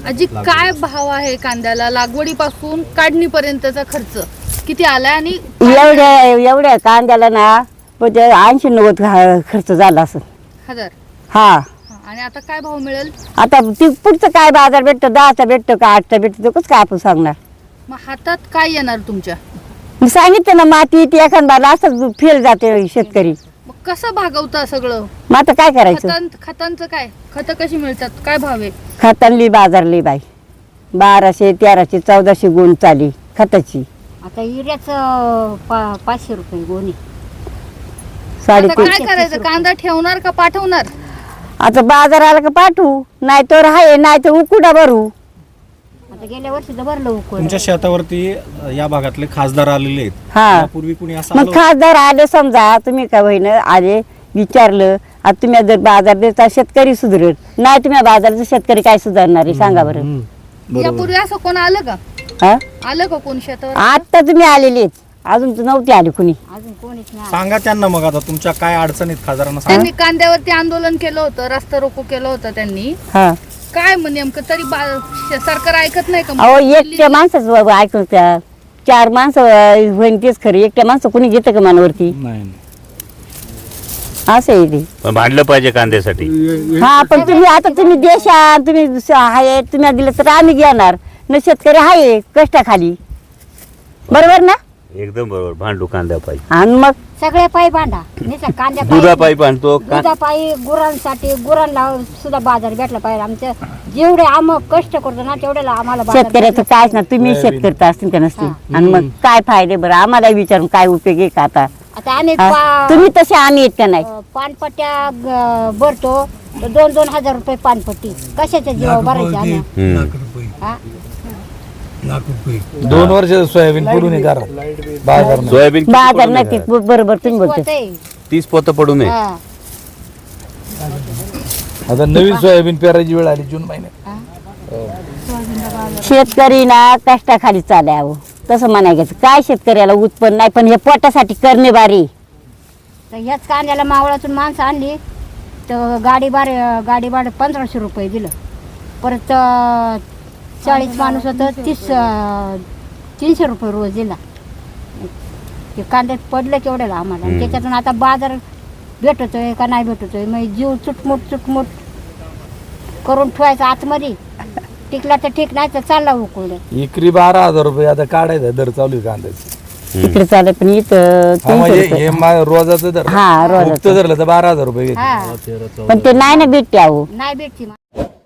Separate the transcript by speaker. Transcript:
Speaker 1: आजी काय भाव आहे कांद्याला? लागवडीपासून काढणीपर्यंतचा खर्च किती आलाय? आणि
Speaker 2: एवढ्या कांद्याला ना म्हणजे 80-90 खर्च झाला असं.
Speaker 1: हजार.
Speaker 2: हा.
Speaker 1: आणि आता काय भाव मिळेल?
Speaker 2: आता पुढचं काय बाजार भेटतो? 10चा भेटतो का 8चा भेटतो? कसं काय आपण सांगणार?
Speaker 1: मग हातात काय येणार तुमच्या?
Speaker 2: मी सांगितलं ना, माती ती एखादा असं फेल जाते शेतकरी.
Speaker 1: मग कसं भागवता सगळं?
Speaker 2: मग आता काय करायचं?
Speaker 1: खतांचं काय? खतं कशी मिळतात? काय भाव आहे?
Speaker 2: खतांली बाजारली बाई 1200, 1300, 1400 गुण चाली खताची.
Speaker 3: आता युरियाच 500 रुपये गोणी.
Speaker 1: आता
Speaker 2: 3.5.
Speaker 1: काय करायचं? कांदा ठेवणार का पाठवणार?
Speaker 2: आता बाजार आला का पाठवू, नाही तर आहे, नाही तर उकुडा भरू.
Speaker 3: आता गेल्या वर्षी तर भरलं उकळ.
Speaker 4: तुमच्या शेतावरती या भागातले खासदार आलेले आहेत.
Speaker 2: हा.
Speaker 4: यापूर्वी कुणी असं
Speaker 2: मग
Speaker 4: आलं?
Speaker 2: खासदार आले समजा, तुम्ही का बहिण आले विचारलं, आता तुम्ही जर बाजार देता शेतकरी सुधरेल, नाही तुम्ही बाजारचा शेतकरी काय सुधारणार आहे सांगा बरं.
Speaker 1: यापूर्वी असं कोण आलं का?
Speaker 2: हा.
Speaker 1: आलं का कोण शेतावर?
Speaker 2: आता तुम्ही आलेलेच, अजून तर नव्हते आले कुणी.
Speaker 3: अजून कोणीच नाही.
Speaker 4: सांगा त्यांना मग आता तुमच्या काय अडचणीत खासदारांना सांगा.
Speaker 1: त्यांनी कांद्यावरती आंदोलन केलं होतं, रस्ता रोको केलं होतं त्यांनी.
Speaker 2: हा.
Speaker 1: काय मग नेमकं तरी सरकार ऐकत नाही का?
Speaker 2: अहो एकट्या माणसाच ऐकून त्या 4 माणसं होईन तेच खरं, एकट्या माणसं कुणी घेतं का मनावरती?
Speaker 4: नाही
Speaker 2: असं आहे ते.
Speaker 5: पण भांडलं पाहिजे कांद्यासाठी.
Speaker 2: हा, पण तुम्ही आता तुम्ही देशात तुम्ही आहे, तुम्ही दिलं तर आम्ही घेणार न. शेतकरी आहे कष्टाखाली, बरोबर ना?
Speaker 5: एकदम बरोबर, भांडू कांद्या पाहिजे.
Speaker 2: आणि मग
Speaker 3: सगळे पायी बांधा निसा कांद्या
Speaker 5: दुधा पायी भांडतो
Speaker 3: दुधापायी गुरांसाठी गुरांना सुद्धा बाजार भेटला पाहिजे. आमच्या जेवढे आम्ही कष्ट करतो ना तेवढ्याला आम्हाला बाजार
Speaker 2: शेतकऱ्याचं
Speaker 3: भेटला
Speaker 2: कायच ना, तुम्ही शेतकरी असतील का नसतील. आणि मग काय फायदे बरं, आम्हाला विचारून काय उपयोग आहे का आता?
Speaker 3: आता आम्ही
Speaker 2: हा? तुम्ही तसे आम्ही येत का नाही?
Speaker 3: पानपट्ट्या भरतो तर 2-2 हजार रुपये पानपट्टी. कशाच्या जीवा भरायचे आम्ही? हा?
Speaker 6: 2 वर्ष सोयाबीन पडून बाजार
Speaker 5: सोयाबीन किती
Speaker 2: बाजार
Speaker 5: पडून
Speaker 2: नक्की
Speaker 5: आहे?
Speaker 2: बरोबर तुम्ही बोलते.
Speaker 3: होतंय.
Speaker 5: 30 पोतं पडू नये.
Speaker 3: हा.
Speaker 6: आता नवीन सोयाबीन पेरायची वेळ आली जून महिन्यात.
Speaker 2: शेतकरी ना कष्टाखाली चालावं तसं म्हणायचं. काय शेतकऱ्याला उत्पन्न नाही, पण हे पोटासाठी करणे बारी.
Speaker 3: तर ह्याच कांद्याला मावळातून माणसं आणली तर गाडी भाडं 1500 रुपये दिलं. परत 40 माणूस होतं 300 रुपये रोज दिला. ते कांद्यात पडलं केवढ्याला आम्हाला. आणि त्याच्यातून आता बाजार भेटतोय का नाही भेटतोय, मग जीव चुटमुट करून ठेवायचा आतमध्ये. टिकला तर ठीक, नाही तर चालला उकळलं.
Speaker 6: एकरी 12,000 रुपये आता काढायचा दर चालू आहे कांद्याची.
Speaker 2: तिकडे चालेल, पण इथं 300
Speaker 6: म्हणजे
Speaker 2: रुपये.
Speaker 6: हे रोजाचं दर.
Speaker 2: हा, रोजाचं.
Speaker 6: धरलं तर 12,000 रुपये घेते.
Speaker 3: हा
Speaker 2: पण ते नाही ना भेटते अहो.
Speaker 3: नाही भेटची.